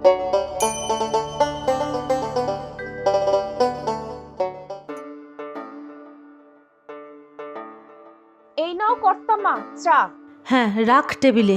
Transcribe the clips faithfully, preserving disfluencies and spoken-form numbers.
এই নাও কর্তামা চা। হ্যাঁ, রাখ টেবিলে।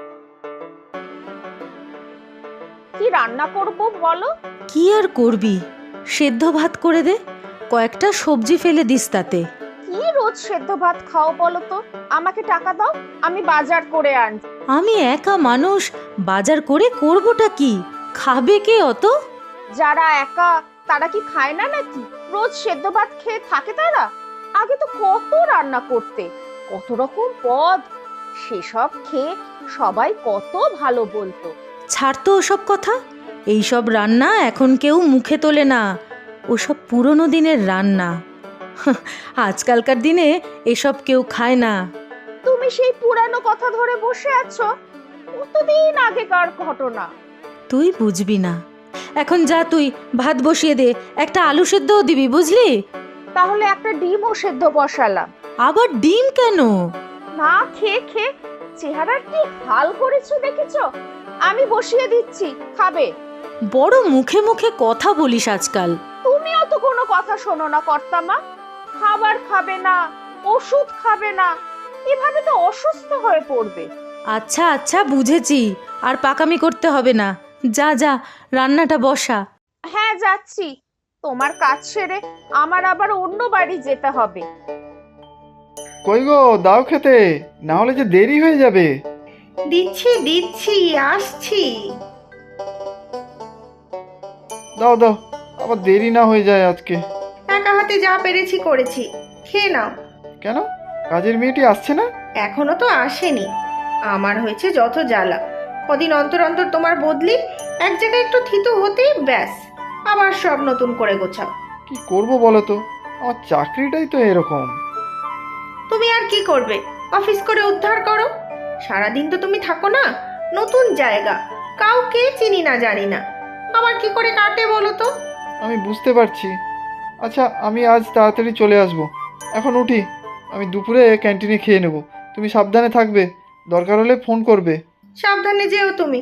কি রান্না করব বলো? কি আর করবি, সেদ্ধ ভাত করে দে, কয়েকটা সবজি ফেলে দিস তাতে। কি রোজ সেদ্ধ ভাত খাও বলো তো? আমাকে টাকা দাও, আমি বাজার করে আনি। আমি একা মানুষ, বাজার করে করবোটা কি? খাবে কে অত? যারা একা তারা কি খায় না নাকি? রোজ সেদ্ধ ভাত খেয়ে থাকে তারা? আগে তো কত রান্না করতে, কত রকম পদ, সেসব খেয়ে সবাই কত ভালো বলতো। ছাড় তো ওসব কথা, এইসব রান্না এখন কেউ মুখে তোলে না, ওসব পুরনো দিনের রান্না। আজকালকার দিনে এসব কেউ খায় না। তুমি সেই পুরানো কথা ধরে বসে আছো, কতদিন আগেকার ঘটনা। তুই বুঝবি না, এখন যা তুই ভাত বসিয়ে দে, একটা আলু সেদ্ধও দিবি বুঝলি? তাহলে একটা ডিমও সেদ্ধ বসালাম। আবার ডিম কেন? না খেয়ে খেয়ে চেহারার কি হাল করেছো দেখেছো? আমি বসিয়ে দিচ্ছি, খাবে? বড় মুখে মুখে কথা বলিস আজকাল। তুমিও তো কোনো কথা শোনো না কর্তামা। খাবার খাবে না, ওষুধ খাবে না, এভাবে তো অসুস্থ হয়ে পড়বে। আচ্ছা আচ্ছা বুঝেছি, আর পাকামি করতে হবে না, যা যা রান্নাটা বসা। হ্যাঁ যাচ্ছি, তোমার কাজ সেরে আমার আবার অন্য বাড়ি যেতে হবে। কই গো, দাও খেতে, না হলে যে দেরি হয়ে যাবে। দিচ্ছি দিচ্ছি আসছি। দাও দাও, আবার দেরি না হয়ে যায় আজকে। একা হাতে যা পেরেছি করেছি, খেয়ে নাও। কেন, কাজের মেয়েটি আসছে না? এখনো তো আসেনি। আমার হয়েছে যত জ্বালা, কদিন অন্তর অন্তর তোমার বদলি, এক জায়গায় একটু থিতু হতেই ব্যাস আবার সব নতুন করে গোছাও। কি করব বলো তো, আমার চাকরিটাই তো এরকম। তুমি আর কি করবে, অফিস করে উদ্ধার করো। সারাদিন তো তুমি থাকো না, নতুন জায়গা, কাউকে চিনি না জানি না, আমার কি করে কাটে বলো তো? আমি বুঝতে পারছি। আচ্ছা, আমি আজ তাড়াতাড়ি চলে আসব। এখন উঠি, আমি দুপুরে ক্যান্টিনে খেয়ে নেব। তুমি সাবধানে থাকবে, দরকার হলে ফোন করবে। সাবধানে যেও তুমি।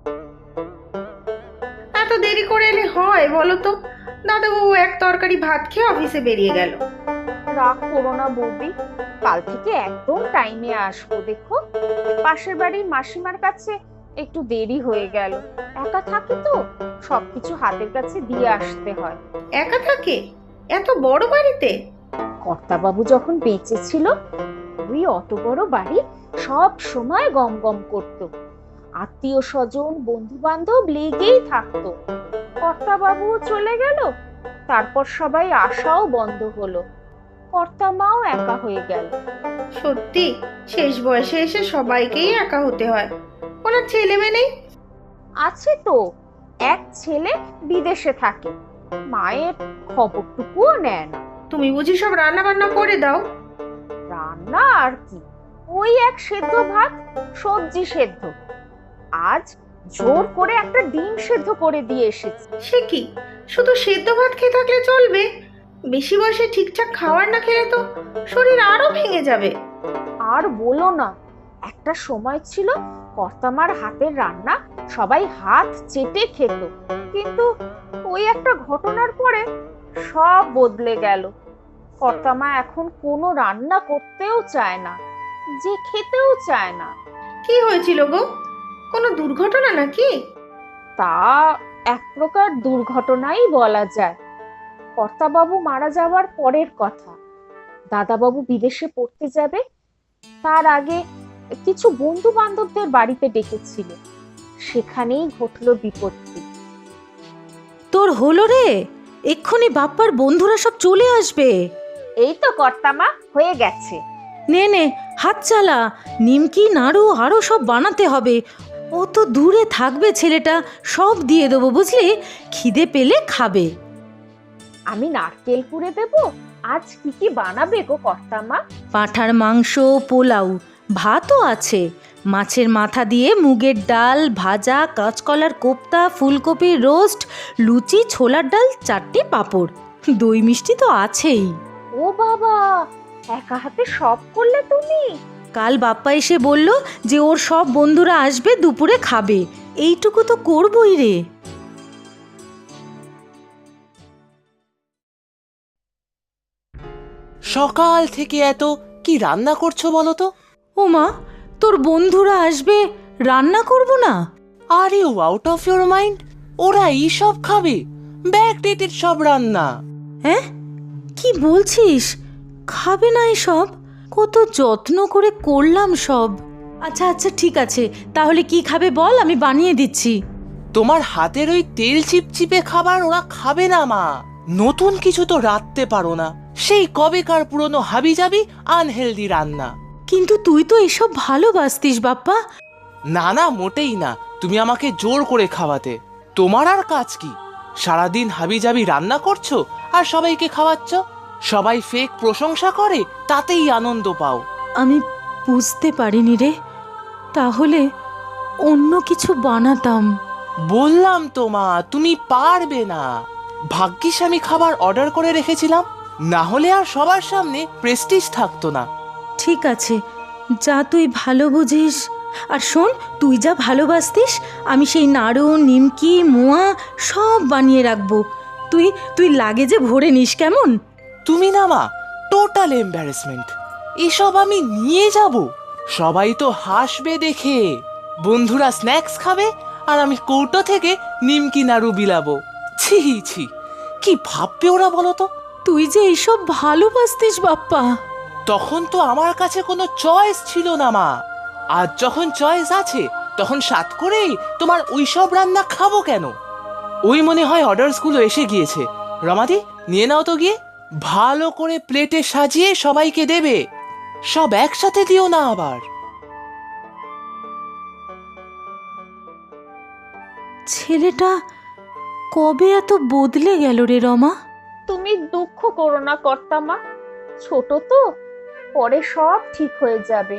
এত দেরি করে এলে হয় বলো তো? দাদাবাবু এক তরকারি ভাত খেয়ে অফিসে বেরিয়ে গেল। রাগ করো না বৌদি, কাল থেকে একদম টাইমে আসবো। দেখো, পাশের বাড়ির মাসিমার কাছে একটু দেরি হয়ে গেল। একা থাকে তো, সবকিছু হাতের কাছে দিয়ে আসতে হয়। একা থাকে এত বড় বাড়িতে? কর্তাবাবু যখন বেঁচে ছিল, ওই অত বড় বাড়ি সব সময় গম গম করতো, আত্মীয় স্বজন বন্ধু বান্ধব লেগেই থাকতো। কর্তাবাবু চলে গেল, তারপর সবাই আসাও বন্ধ হলো, কর্তামাও একা হয়ে গেল। সত্যি, শেষ বয়সে এসে সবাইকেই একা হতে হয়। ওনার ছেলে মেয়ে নেই? আছে তো, এক ছেলে বিদেশে থাকে, মায়ের খবরটুকুও নেয় না। তুমি বুঝি সব রান্না বান্না করে দাও? রান্না আর কি, ওই এক সেদ্ধ ভাত, সবজি সেদ্ধ। আজ জোর করে একটা ডিম সেদ্ধ করে দিয়ে এসেছি। সে কি, শুধু সেদ্ধ ভাত খেয়ে থাকলে চলবে? বেশি বয়সে ঠিকঠাক খাবার না খেলে তো শরীর আরো ভেঙে যাবে। আর বলো না, একটা সময় ছিল কর্তামার হাতের রান্না সবাই হাত চেটে খেত, কিন্তু ওই একটা ঘটনার পরে সব বদলে গেল। কর্তামা এখন কোনো রান্না করতেও চায় না, যে খেতেও চায় না। কি হয়েছিল গো, কোনো দুর্ঘটনা নাকি? তা এক প্রকার দুর্ঘটনাই বলা যায়। কর্তাবাবু মারা যাওয়ার পরের কথা। দাদাবাবু বিদেশে পড়তে যাবে, তার আগে কিছু বন্ধু বান্ধবদের বাড়িতে ডেকেছিল, সেখানেই ঘটল বিপত্তি। তোর হলো রে, এক্ষুনি বাপ্পার বন্ধুরা সব চলে আসবে। এই তো কর্তামা, হয়ে গেছে। নে নে হাত চালা, নিমকি নাড়ু আরও সব বানাতে হবে। ও তো দূরে থাকবে ছেলেটা, সব দিয়ে দেবো বুঝলি, খিদে পেলে খাবে। আমি নারকেল কুড়ে দেব। আজ কি কি বানাবে গো কর্তামা? পাঁঠার মাংস, পোলাও, ভাতও আছে, মাছের মাথা দিয়ে মুগের ডাল ভাজা, কাঁচকলার কোপ্তা, ফুলকপির রোস্ট, লুচি, ছোলার ডাল, চারটে পাঁপড়, দই মিষ্টি তো আছেই। ও বাবা, একা হাতে সব করলে তুমি? কাল বাপ্পা এসে বলল যে ওর সব বন্ধুরা আসবে, দুপুরে খাবে, এইটুকু তো করবই রে। সকাল থেকে এত কি রান্না করছো বলো তো? ও মা, তোর বন্ধুরা আসবে, রান্না করব না? Are you out of your mind? ওরা এই সব খাবে? ব্যাকডেটেড সব রান্না। হ্যাঁ, কি বলছিস? খাবে না এসব? কত যত্ন করে করলাম সব। আচ্ছা আচ্ছা ঠিক আছে, তাহলে কি খাবে বল, আমি বানিয়ে দিচ্ছি। তোমার হাতের ওই তেল চিপচিপে খাবার ওরা খাবে না মা। নতুন কিছু তো রাঁধতে পারো না, সেই কবেকার পুরনো হাবিজাবি আনহেলদি রান্না। কিন্তু তুই তো এসব ভালোবাসতিস বাপ্পা। না না, মোটেই না। তুমি আমাকে জোর করে খাওয়াতে। তোমার আর কাজ কি? সারাদিন হাবিজাবি রান্না করছো আর সবাইকে খাওয়াচ্ছ। সবাই ফেক প্রশংসা করে, তাতেই আনন্দ পাও। আমি বুঝতে পারিনি রে, তাহলে অন্য কিছু বানাতাম। বললাম তো মা, তুমি পারবে না। ভাগ্যিস আমি খাবার অর্ডার করে রেখেছিলাম, না হলে আর সবার সামনে প্রেস্টিজ থাকতো না। ঠিক আছে, যা তুই ভালো বুঝিস। আর শোন, তুই যা ভালোবাসতিস আমি সেই নাড়ু, নিমকি, মোয়া সব বানিয়ে রাখবো। তুই তুই লাগেজে ভরে নিস কেমন? তুমি না মা, টোটাল এম্বারেসমেন্ট। এসব আমি নিয়ে যাব? সবাই তো হাসবে দেখে। বন্ধুরা স্ন্যাক্স খাবে আর আমি কৌটো থেকে নিমকি নাড়ু বিলাবো। ছি ছি, কি ভাববে ওরা বলো তো? তুই যে এইসব ভালোবাসতিস বাপ্পা। তখন তো আমার কাছে কোনো চয়েস ছিল না মা। আজ যখন চয়েস আছে, তখন সাত করেই তোমার ওইসব রান্না খাবো কেন? ওই মনে হয় অর্ডারসগুলো এসে গিয়েছে। রমাদি, নিয়ে নাও তো গিয়ে। ভালো করে প্লেটে সাজিয়ে সবাইকে দেবে। সব একসাথে দিও না আবার। ছেলেটা কবে এত বদলে গেল রে রমা? তুমি দুঃখ করো না কর্তামা, ছোট তো, পরে সব ঠিক হয়ে যাবে।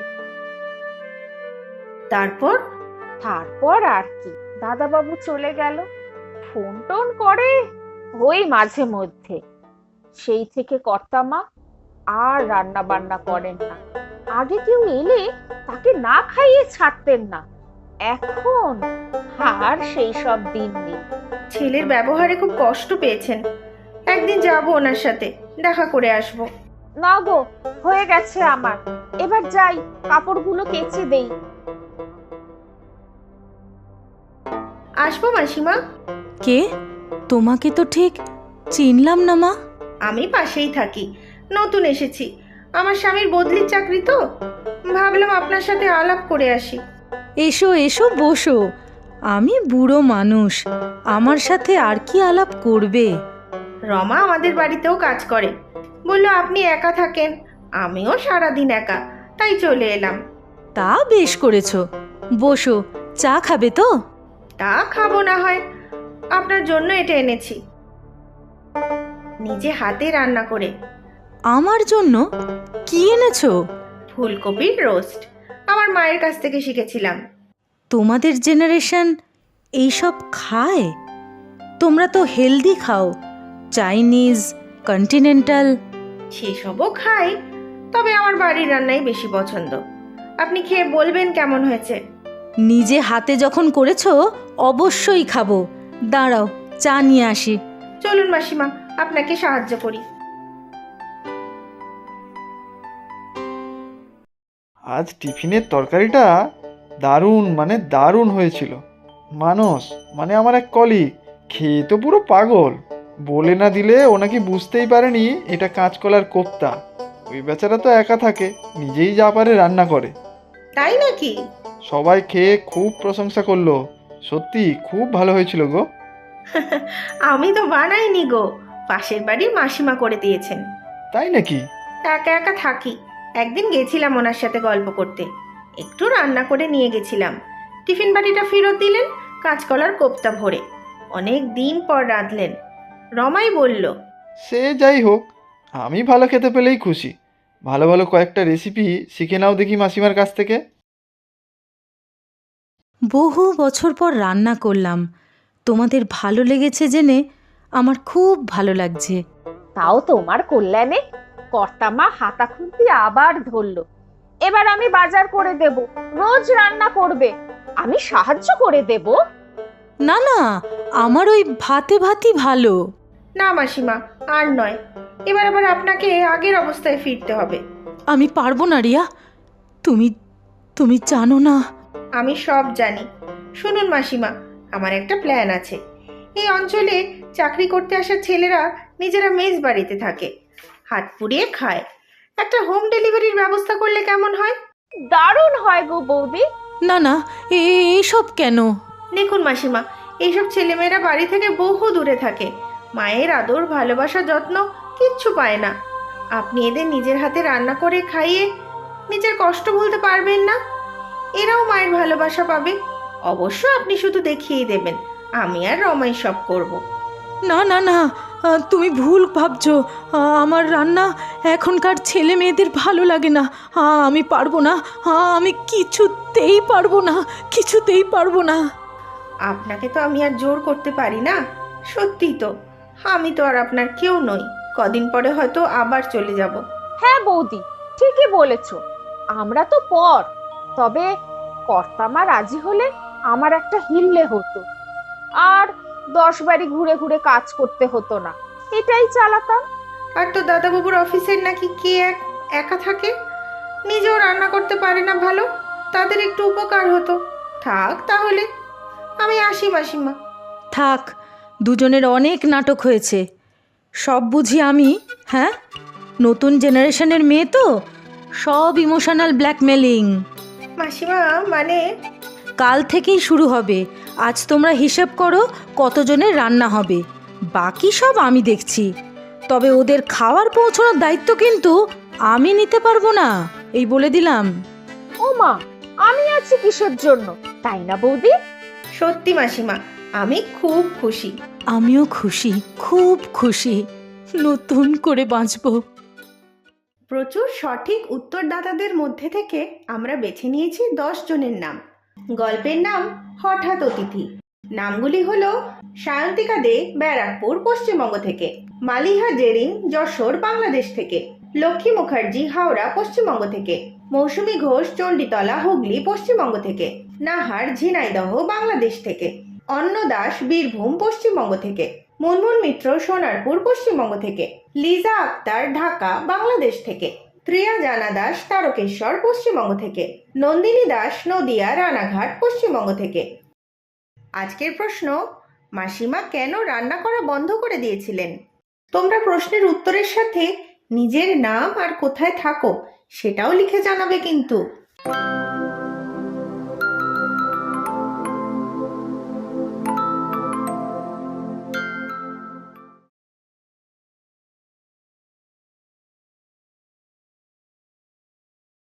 তারপর তারপর আর কি, দাদাবাবু চলে গেল। ফোন টোন করে ওই মাঝে মধ্যে। সেই থেকে কর্তামা আর রান্না বান্না করেন না। আগে কেউ এলে তাকে না খাইয়ে ছাড়তেন না, এখন আর সেই সব দিন নেই। ছেলের ব্যবহারে খুব কষ্ট পেয়েছেন। একদিন যাব ওনার সাথে, দেখা করে আসব। না গো, হয়ে গেছে আমার, এবার যাই, কাপড়গুলো কেচে দেই। আসবো মাসিমা। কে? তোমাকে তো ঠিক চিনলাম না মা। আমি পাশেই থাকি, নতুন এসেছি। আমার স্বামীর বদলির চাকরি তো, ভাবলাম আপনার সাথে আলাপ করে আসি। এসো এসো, বসো। আমি বুড়ো মানুষ, আমার সাথে আর কি আলাপ করবে? রমা আমাদের বাড়িতেও কাজ করে, বললো আপনি একা থাকেন, আমিও সারাদিন একা, তাই চলে এলাম। তা বেশ করেছো, বসো। চা খাবে তো? তা খাবো না হয়, আপনার জন্য এটা এনেছি, নিজে হাতে রান্না করে। আমার জন্য? কি এনেছো? ফুলকপির রোস্ট, আমার মায়ের কাছ থেকে শিখেছিলাম। তোমাদের জেনারেশন এইসব খায়? তোমরা তো হেলদি খাও, চাইনিজ, কন্টিনেন্টাল। সেসবও খাই, তবে আমার বাড়ির রান্নাই বেশি পছন্দ। আপনি খেয়ে বলবেন কেমন হয়েছে। নিজে হাতে যখন করেছো অবশ্যই খাবো। দাঁড়াও, চা নিয়ে আসি। চলুন মাসিমা, আপনাকে সাহায্য করি। আজ টিফিনের তরকারিটা দারুণ মানে দারুণ হয়েছিল। মানস মানে আমার এক কলিগ খেয়ে তো পুরো পাগল। বলে না দিলে ও নাকি বুঝতেই পারেনি এটা কাঁচকলার কোপ্তা। ওই বেচারা তো একা থাকে, নিজেই যা পারে রান্না করে। তাই নাকি? সবাই খেয়ে খুব প্রশংসা করলো। সত্যি খুব ভালো হয়েছিল গো। আমি তো বানাইনি গো, পাশের বাড়ির মাসিমা করে দিয়েছেন। তাই নাকি? একা একা থাকি, একদিন গেছিলাম ওনার সাথে গল্প করতে, একটু রান্না করে নিয়ে গেছিলাম। টিফিন বাটিটা ফেরত দিলেন কাঁচকলার কোপ্তা ভরে। অনেক দিন পর রাঁধলেন। রমাই বলল, সে যাই হোক, আমি ভালো খেতে পেলেই খুশি। ভালো ভালো কয়েকটা রেসিপি শিখে নাও দেখি মাসিমার কাছ থেকে। বহু বছর পর রান্না করলাম, তোমাদের ভালো লেগেছে জেনে আমার খুব ভালো লাগছে। তাও তোমার কল্যাণে। কর্তামা হাতা খুন্তি আবার ধরলো। এবার আমি বাজার করে দেব, রোজ রান্না করবে, আমি সাহায্য করে দেব। না না, আমার ওই ভাতে ভাতই ভালো। না মাসিমা, আর নয়, এবার আবার আপনাকে আগের অবস্থায় ফিরতে হবে। আমি পারবো না রিয়া, তুমি তুমি জানো না। আমি সব জানি। শুনুন মাসিমা, আমার একটা প্ল্যান আছে। এই অঞ্চলে চাকরি করতে আসা ছেলেরা নিজেরা মেস বাড়িতে থাকে, হাত পুড়িয়ে খায়। একটা হোম ডেলিভারির ব্যবস্থা করলে কেমন হয়? দারুণ হয় গো বৌদি। না না, এ- এইসব কেন? দেখুন মাসিমা, এইসব ছেলেমেয়েরা বাড়ি থেকে বহু দূরে থাকে, মায়ের আদর ভালোবাসা যত্ন কিচ্ছু পায় না। আপনি এদের নিজের হাতে রান্না করে খাইয়ে নিজের কষ্ট ভুলতে পারবেন না, এরাও মায়ের ভালোবাসা পাবে। অবশ্য আপনি শুধু দেখিয়েই দেবেন, আমি আর রমাই সব করব। না না না, আহ, তুমি ভুল ভাবছো। আহ, আমার রান্না এখনকার ছেলে মেয়েদের ভালো লাগে না। আহ, আমি পারবো না। আহ, আমি কিছুতেই পারবো না, কিছুতেই পারবো না। আপনাকে তো আমি আর জোর করতে পারি না। সত্যি তো, আমি তো আর আপনার কেউ নই। কদিন পরে হয়তো আবার চলে যাব। হ্যাঁ বৌদি, ঠিকই বলেছ। আমরা তো পর, তবে কর্তামা রাজি হলে আমার একটা হিললে হতো, আর দশ বাড়ি ঘুরে ঘুরে কাজ করতে হতো না, এটাই চালাতাম। আর তো দাদাবাবুর অফিসের নাকি কে এক একা থাকে, নিজেও রান্না করতে পারে না ভালো, তাদের একটু উপকার হতো। থাক তাহলে, আমি আসি মাসিমা। থাক, দুজনের অনেক নাটক হয়েছে, সব বুঝি আমি। হ্যাঁ, নতুন জেনারেশনের মেয়ে তো, সব ইমোশনাল ব্ল্যাকমেলিং। মাসিমা মানে, কাল থেকেই শুরু হবে। আজ তোমরা হিসেব করো কতজনের রান্না হবে, বাকি সব আমি দেখছি। তবে ওদের খাওয়ার পৌঁছানোর দায়িত্ব কিন্তু আমি নিতে পারবো না, এই বলে দিলাম। ও মা, আমি আছি কিসের জন্য, তাই না বৌদি? সত্যি মাসিমা, আমি খুব খুশি। আমিও খুশি, খুব খুশি, নতুন করে বাঁচবো। প্রচুর সঠিক উত্তরদাতাদের মধ্যে থেকে আমরা বেছে নিয়েছি দশ জনের নাম। গল্পের নাম হঠাৎ অতিথি। নামগুলি হলো সায়ন্তিকা দে, ব্যারাকপুর, পশ্চিমবঙ্গ থেকে; মালিহা জেরিন, যশোর, বাংলাদেশ থেকে; লক্ষ্মী মুখার্জি, হাওড়া, পশ্চিমবঙ্গ থেকে; মৌসুমী ঘোষ, চণ্ডীতলা, হুগলি, পশ্চিমবঙ্গ থেকে; নাহার, ঝিনাইদহ, বাংলাদেশ থেকে; অন্ন দাস, বীরভূম, পশ্চিমবঙ্গ থেকে; মুনমুন মিত্র, সোনারপুর, পশ্চিমবঙ্গ থেকে; লিজা আক্তার, ঢাকা, বাংলাদেশ থেকে; প্রিয়া জানা দাস, তারকেশ্বর, পশ্চিমবঙ্গ থেকে; নন্দিনী দাস, নদিয়া, রানাঘাট, পশ্চিমবঙ্গ থেকে। আজকের প্রশ্ন, মাসিমা কেন রান্না করা বন্ধ করে দিয়েছিলেন? তোমরা প্রশ্নের উত্তরের সাথে নিজের নাম আর কোথায় থাকো সেটাও লিখে জানাবে কিন্তু।